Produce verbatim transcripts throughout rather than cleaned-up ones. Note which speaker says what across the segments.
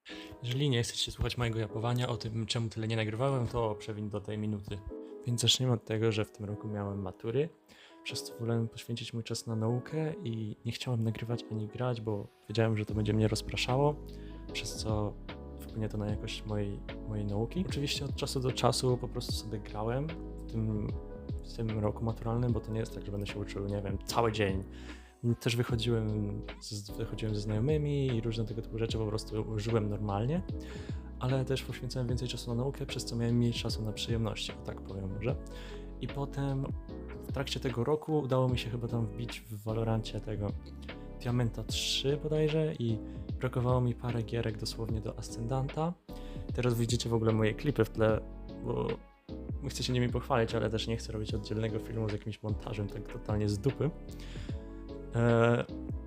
Speaker 1: Jeżeli nie chcecie słuchać mojego japowania o tym, czemu tyle nie nagrywałem, to przewiń do tej minuty. Więc zaczniemy od tego, że w tym roku miałem matury, przez co wolałem poświęcić mój czas na naukę i nie chciałem nagrywać ani grać, bo wiedziałem, że to będzie mnie rozpraszało, przez co wpłynie to na jakość mojej, mojej nauki. Oczywiście od czasu do czasu po prostu sobie grałem w tym, w tym roku maturalnym, bo to nie jest tak, że będę się uczył, nie wiem, cały dzień. Też wychodziłem z, wychodziłem ze znajomymi i różne tego typu rzeczy po prostu żyłem normalnie, ale też poświęcałem więcej czasu na naukę, przez co miałem mniej czasu na przyjemności, o tak powiem może. I potem w trakcie tego roku udało mi się chyba tam wbić w Valorancie tego Diamenta trzy bodajże i brakowało mi parę gierek dosłownie do Ascendanta. Teraz widzicie w ogóle moje klipy w tle, bo chcę się nimi pochwalić, ale też nie chcę robić oddzielnego filmu z jakimś montażem tak totalnie z dupy. Eee,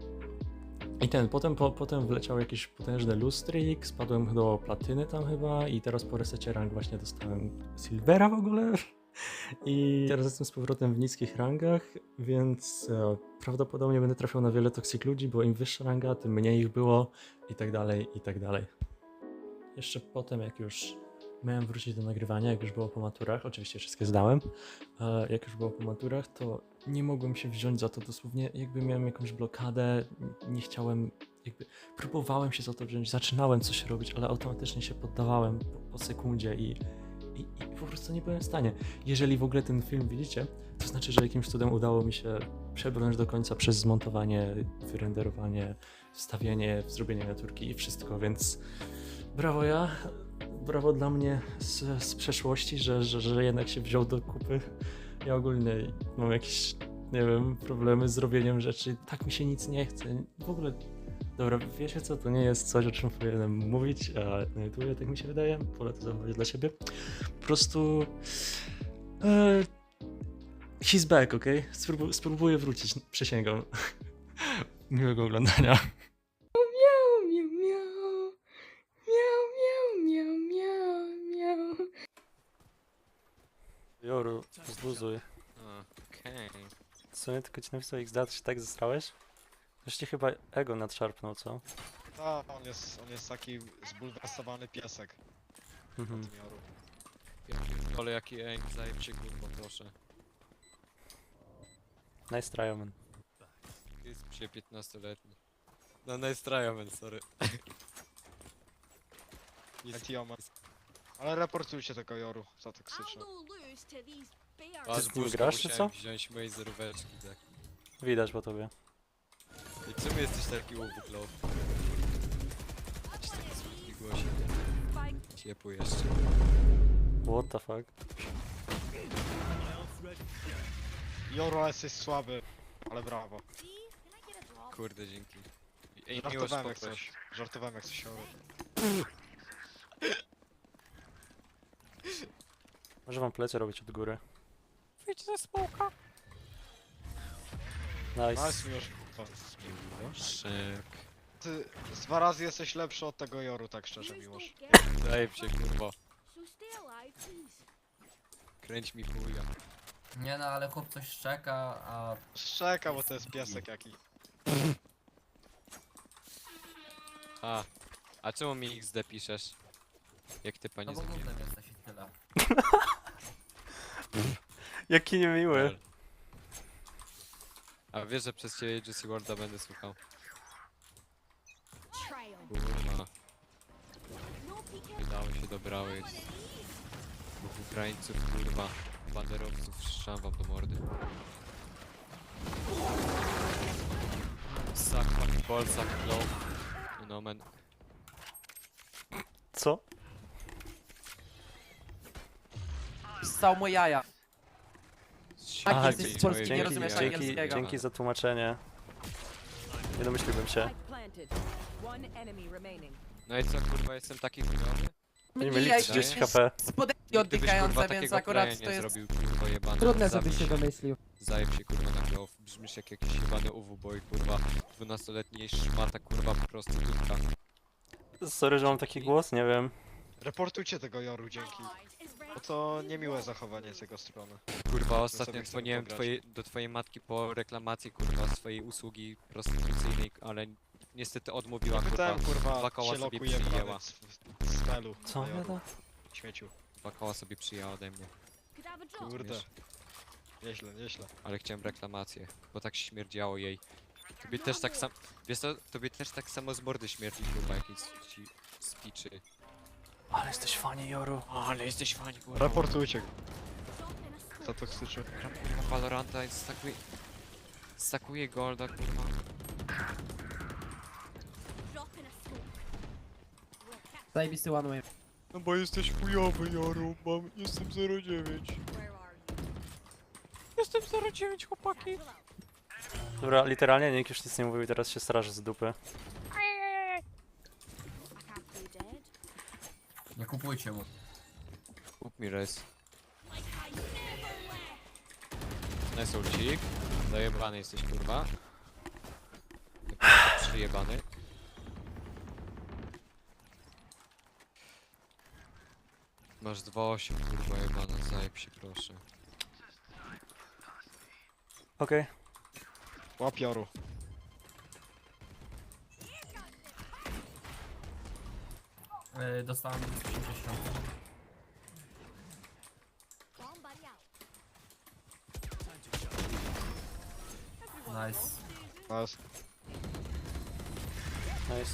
Speaker 1: I ten, potem, po, potem wleciał jakiś potężny lustrik, spadłem do platyny tam chyba i teraz po resecie rank właśnie dostałem silvera w ogóle. I teraz jestem z powrotem w niskich rangach, więc e, prawdopodobnie będę trafiał na wiele toxic ludzi, bo im wyższa ranga, tym mniej ich było i tak dalej, i tak dalej. Jeszcze potem, jak już miałem wrócić do nagrywania, jak już było po maturach, oczywiście wszystkie zdałem, e, jak już było po maturach, to nie mogłem się wziąć za to dosłownie, jakby miałem jakąś blokadę, nie chciałem, jakby próbowałem się za to wziąć, zaczynałem coś robić, ale automatycznie się poddawałem po, po sekundzie i, i, i po prostu nie byłem w stanie. Jeżeli w ogóle ten film widzicie, to znaczy, że jakimś cudem udało mi się przebrnąć do końca przez zmontowanie, wyrenderowanie, wstawienie, zrobienie miniaturki i wszystko, więc brawo ja, brawo dla mnie z, z przeszłości, że, że, że jednak się wziął do kupy. Ja ogólnie mam jakieś, nie wiem, problemy z robieniem rzeczy, tak mi się nic nie chce, w ogóle, dobra, wiecie co, to nie jest coś, o czym powinienem mówić, a na YouTubie tak mi się wydaje, wolę to zachować dla siebie, po prostu e, he's back, okej? Okay? Spróbuję, spróbuję wrócić, przysięgam. Miłego oglądania.
Speaker 2: Miau, miau, miau. Miau, miau, miau, miau, miau.
Speaker 3: Joru, zluzuj.
Speaker 4: Okej.
Speaker 3: W sumie tylko ci napisał X D, to się tak zesrałeś? Już ci chyba ego nadszarpnął, co?
Speaker 5: Tak, on jest, on jest taki zbulwersowany piesek.
Speaker 3: Mhm.
Speaker 5: Tym Joru.
Speaker 4: Ale jaki aim, zajebcie kurwa, proszę.
Speaker 3: Nice try, man.
Speaker 4: Jest się piętnastoletni. No nice try, man, sorry.
Speaker 5: Etioma. Ale reportujcie tego Joru za toksyczne.
Speaker 4: Was
Speaker 3: z nim
Speaker 4: buźka
Speaker 3: grasz, czy
Speaker 4: musiałem
Speaker 3: co?
Speaker 4: wziąć mojej zeróweczki, tak.
Speaker 3: Widać po tobie.
Speaker 4: I czemu jesteś taki łówek, low? Jesteś taki słodki głosie. Ciepły jeszcze.
Speaker 3: What the fuck?
Speaker 5: Joru, ale jesteś słaby. Ale brawo.
Speaker 4: Kurde, dzięki. Ej, miłość
Speaker 5: Żartowałem jak
Speaker 4: poproś.
Speaker 5: coś. Żartowałem jak coś Joru.
Speaker 3: Może wam plecie robić od góry.
Speaker 4: Wyjdź ze smoka.
Speaker 3: Nice.
Speaker 5: Nice, Miłosz.
Speaker 4: Szyk.
Speaker 5: Ty z dwa razy jesteś lepszy od tego Joru, tak szczerze, Miłosz.
Speaker 4: Zajeb się kurwa. Kręć mi chuja.
Speaker 6: Nie no, ale chłop coś szczeka, a
Speaker 5: Szczeka, bo to jest piesek jaki.
Speaker 4: A. A czemu mi X D piszesz? Jak ty
Speaker 6: no
Speaker 4: panie
Speaker 6: bo
Speaker 4: zabiję?
Speaker 6: głupem jesteś i tyle.
Speaker 3: Jaki niemiły.
Speaker 4: A wiesz, że przez ciebie Juicy Worlda będę słuchał. Kurwa. Wydało się dobrały. Dwóch Ukraińców, kurwa. Banderowców, strzam wam do mordy. Suck fucking ball, suck low. You know man.
Speaker 3: Co?
Speaker 6: Ssał moje jaja. Tak,
Speaker 3: Aha,
Speaker 6: jesteś z Polski, nie
Speaker 3: dzięki,
Speaker 6: rozumiesz
Speaker 3: dzięki,
Speaker 6: angielskiego.
Speaker 3: dzięki za tłumaczenie. Nie domyśliłbym się.
Speaker 4: No i co, kurwa, jestem taki chujowy?
Speaker 3: Oni mieli
Speaker 6: Mijaj,
Speaker 3: trzydzieści
Speaker 6: jesteś
Speaker 3: H P.
Speaker 6: Spodeki
Speaker 4: Gdybyś,
Speaker 6: oddychające,
Speaker 4: kurwa,
Speaker 6: więc
Speaker 4: takiego
Speaker 6: akurat
Speaker 4: playa
Speaker 6: to
Speaker 4: nie
Speaker 6: jest
Speaker 4: zrobił, kurwa, jebany.
Speaker 2: Trudne,
Speaker 4: Zabij
Speaker 2: żebyś się domyślił.
Speaker 4: Zajeb się kurwa na glow, brzmisz jak jakiś jebany U W boy, kurwa, dwunastoletni szmata, kurwa, po prostu dupka.
Speaker 3: Sorry, że mam taki głos, nie wiem.
Speaker 5: Reportujcie tego Joru, dzięki. Bo to niemiłe zachowanie z jego strony.
Speaker 4: Kurwa, ostatnio
Speaker 5: sobie chcę
Speaker 4: dzwoniłem
Speaker 5: pograć.
Speaker 4: twojej, do twojej matki po reklamacji, kurwa, swojej usługi prostytucyjnej, ale niestety odmówiła kurwa.
Speaker 5: Pytałem kurwa,
Speaker 4: Dwa koła
Speaker 5: się
Speaker 4: sobie
Speaker 5: lokuje
Speaker 4: przyjęła.
Speaker 5: z, z spelu.
Speaker 3: Co?
Speaker 5: na Joru.
Speaker 3: Jada?
Speaker 5: Śmieciu.
Speaker 4: Dwa koła sobie przyjęła ode mnie.
Speaker 5: Kurde.
Speaker 4: Wiesz?
Speaker 5: Nieźle, nieźle.
Speaker 4: Ale chciałem reklamację, bo tak śmierdziało jej. Tobie też tak sam... Wiesz co, tobie też tak samo z mordy śmierdzi kurwa, jakieś ci spiczy.
Speaker 3: Ale jesteś fanie, Joru.
Speaker 4: Ale jesteś fajnie kurwa.
Speaker 5: Raportujcie. Za toksyczny.
Speaker 4: Gram gram w Valoranta i stakuje... Stakuje golda kurwa.
Speaker 6: Zajebisty one way.
Speaker 4: No bo jesteś chujowy, Joru, mam... jestem zero dziewięć. Jestem zero dziewięć, chłopaki.
Speaker 3: Dobra, literalnie nikt już nic nie mówił i teraz się straży z dupy.
Speaker 6: Nie kupujcie mu.
Speaker 4: Kup mi res. Nice ulcik. Zajebany jesteś kurwa. Przyjebany. Masz dwa osiem kurwa jebana, zajeb się proszę.
Speaker 3: Okej.
Speaker 5: Łap Joru.
Speaker 6: Yy, dostałem osiemdziesiąt. Nice.
Speaker 5: Nice.
Speaker 3: Nice.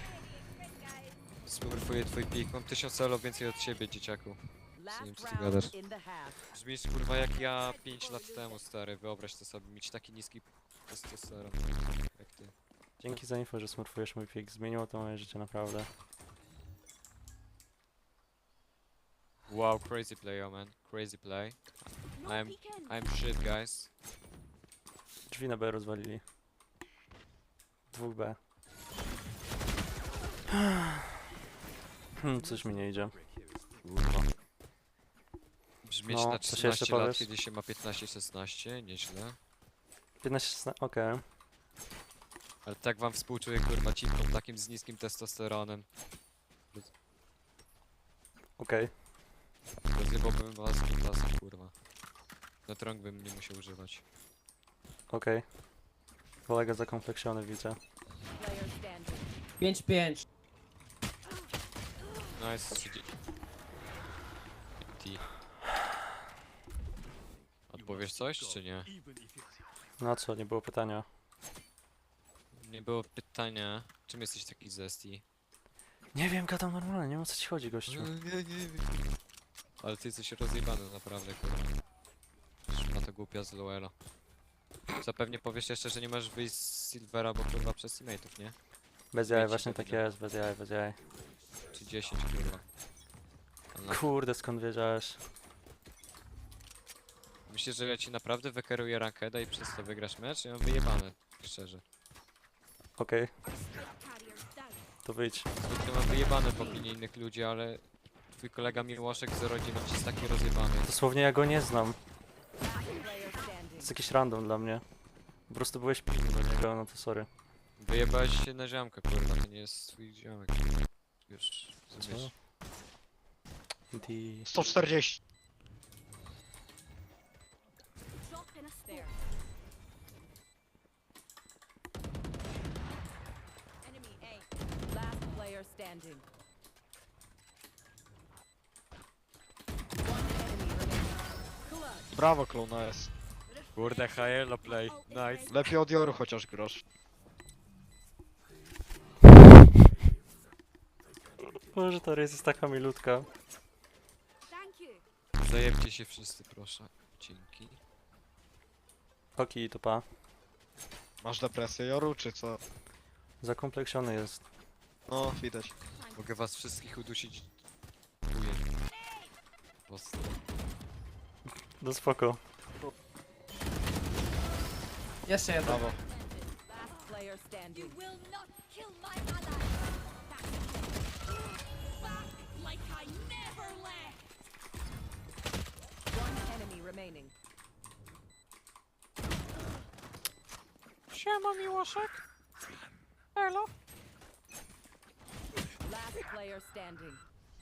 Speaker 4: Smurfuję twój pik, mam tysiąc elo więcej od ciebie, dzieciaku. Nie wiem, co ty gadasz. Brzmisz kurwa jak ja pięć lat temu, stary, wyobraź to sobie, mieć taki niski testosteron jak ty.
Speaker 3: Dzięki za info, że smurfujesz mój pik. Zmieniło to moje życie naprawdę.
Speaker 4: Wow, crazy play, oh man, crazy play. I'm, I'm shit, guys.
Speaker 3: Drzwi na B rozwalili. Dwóch B. Hmm, coś mi nie idzie.
Speaker 4: Kurwa. Brzmieć
Speaker 3: No,
Speaker 4: na
Speaker 3: coś jeszcze
Speaker 4: trzynaście lat,
Speaker 3: powiesz?
Speaker 4: kiedy się ma piętnaście szesnaście, nieźle.
Speaker 3: piętnaście, szesnaście, okej.
Speaker 4: Ale tak wam współczuję, kurwa, cipkom takim z niskim testosteronem.
Speaker 3: Okej.
Speaker 4: Rozjebałbym was z kutasem, kurwa. Na trąg bym nie musiał używać.
Speaker 3: Okej. Kolega zakompleksiony widzę.
Speaker 6: pięć pięć.
Speaker 4: Nice, siedzi. T. Odpowiesz coś, czy nie?
Speaker 3: Na co? Nie było pytania.
Speaker 4: Nie było pytania, czym jesteś taki zesty?
Speaker 3: Nie wiem, gadam normalnie, nie wiem o co ci chodzi, gościu.
Speaker 4: Nie, nie wiem. Ale ty jesteś rozjebany naprawdę, kurwa. Na to głupia z Lowela. Zapewnie powiesz jeszcze, że nie możesz wyjść z Silvera, bo kurwa przez teammateów, nie?
Speaker 3: Bez jaj,
Speaker 4: Wiecie,
Speaker 3: właśnie
Speaker 4: to
Speaker 3: tak
Speaker 4: widać.
Speaker 3: jest, bez jaj, bez jaj.
Speaker 4: Czy dziesięć, kurwa. Ale
Speaker 3: Kurde, skąd wiedziałeś?
Speaker 4: myślisz, że ja ci naprawdę wykeruję rankeda i przez to wygrasz mecz? Ja mam wyjebane, szczerze.
Speaker 3: Okej. To wyjdź.
Speaker 4: Zwykle mam wyjebane w opinii innych ludzi, ale twój kolega Miłoszek zero dziewięć jest taki rozjebany.
Speaker 3: Dosłownie ja go nie znam. To jest jakiś random dla mnie. Po prostu byłeś pilny do niego, no to sorry.
Speaker 4: Wyjebałeś się na ziomkę, kurwa, to nie jest twój ziomek. Już, rozumiesz?
Speaker 3: Di...
Speaker 5: sto czterdzieści.
Speaker 7: Last player standing.
Speaker 5: Brawo, klona jest.
Speaker 4: Kurde, Hello play, nice.
Speaker 5: Lepiej od Joru chociaż grosz.
Speaker 3: Może ta rejs jest taka milutka.
Speaker 4: Zajebcie się wszyscy, proszę. Dzięki.
Speaker 3: Oki, to pa.
Speaker 5: Masz depresję Joru, czy co?
Speaker 3: Zakompleksiony jest.
Speaker 5: No, widać.
Speaker 4: Mogę was wszystkich udusić. Chuję. Ostro.
Speaker 3: No spoko.
Speaker 6: Jeszcze jeden.
Speaker 5: Brawo.
Speaker 7: Last player standing. One enemy remaining.
Speaker 4: Siema, Miłoszek. Elo.
Speaker 7: Last player standing.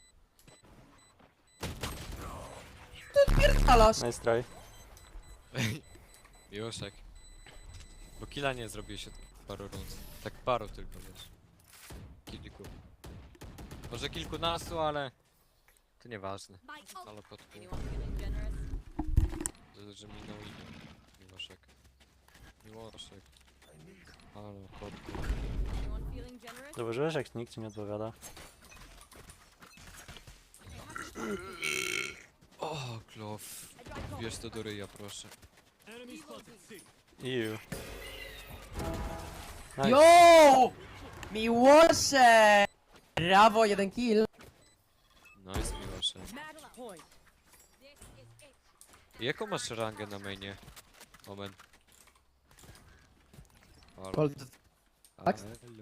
Speaker 6: Halasz.
Speaker 3: Nice try.
Speaker 4: Miłoszek. Bo killa nie zrobiłeś od paru rund. Tak paru tylko, wiesz. Kilku. Może kilkunastu, ale... To nieważne. Ale kotku.
Speaker 7: Anyone feeling generous?
Speaker 4: Że, że minął imię. Miłoszek. Miłoszek. Ale kotku.
Speaker 7: Anyone feeling generous?
Speaker 3: Zauważyłeś, jak nikt ci nie odpowiada?
Speaker 4: O, klof. Bierz to do ryja, proszę.
Speaker 3: Iu. Nice.
Speaker 2: Yo! Miłosze! Brawo, jeden kill.
Speaker 4: Nice, Miłoszek.
Speaker 7: Match point.
Speaker 4: Jaką masz rangę na mainie? Omen. Halo.
Speaker 2: Gold. Max?
Speaker 4: Hello.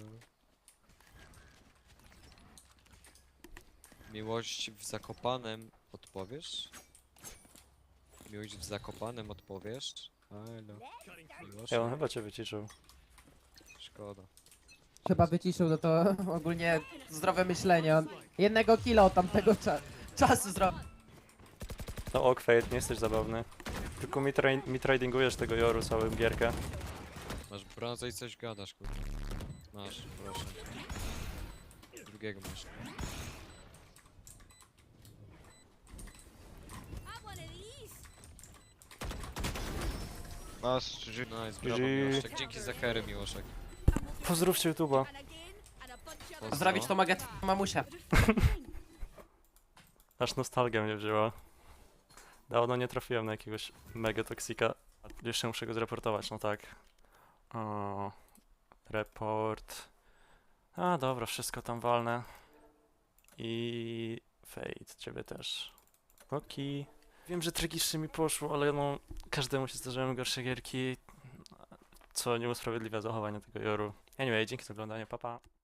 Speaker 4: Miłość w Zakopanem odpowiesz? Miłość w Zakopanem odpowiesz? Halo. Miłość?
Speaker 3: Ja on chyba cię wyciszył.
Speaker 4: Szkoda.
Speaker 2: Chyba wyciszył, no to ogólnie zdrowe myślenie. On jednego killa od tamtego cza czasu zrobił.
Speaker 3: No ok, Fate, nie jesteś zabawny. Tylko mi, tra mi tradingujesz tego Joru całą gierkę.
Speaker 4: Masz brązę i coś gadasz, kurwa. Masz, proszę. Drugiego masz.
Speaker 5: Masz, G G.
Speaker 4: Nice, brawo,
Speaker 3: G G.
Speaker 4: Miłoszek. Dzięki za kery, Miłoszek.
Speaker 3: Pozdrówcie YouTube'a.
Speaker 4: Pozdro.
Speaker 2: Zrobić to mogę twoją mamusię.
Speaker 3: Aż nostalgia mnie wzięła. Dawno nie trafiłem na jakiegoś mega toksika. Jeszcze muszę go zreportować, no tak. O, report. A dobra, wszystko tam walne. I Fate, ciebie też. Oki. Wiem, że tragicznie mi poszło, ale no każdemu się zdarzają gorsze gierki, co nie usprawiedliwia zachowania tego Joru. Anyway, dzięki za oglądanie, papa. Pa.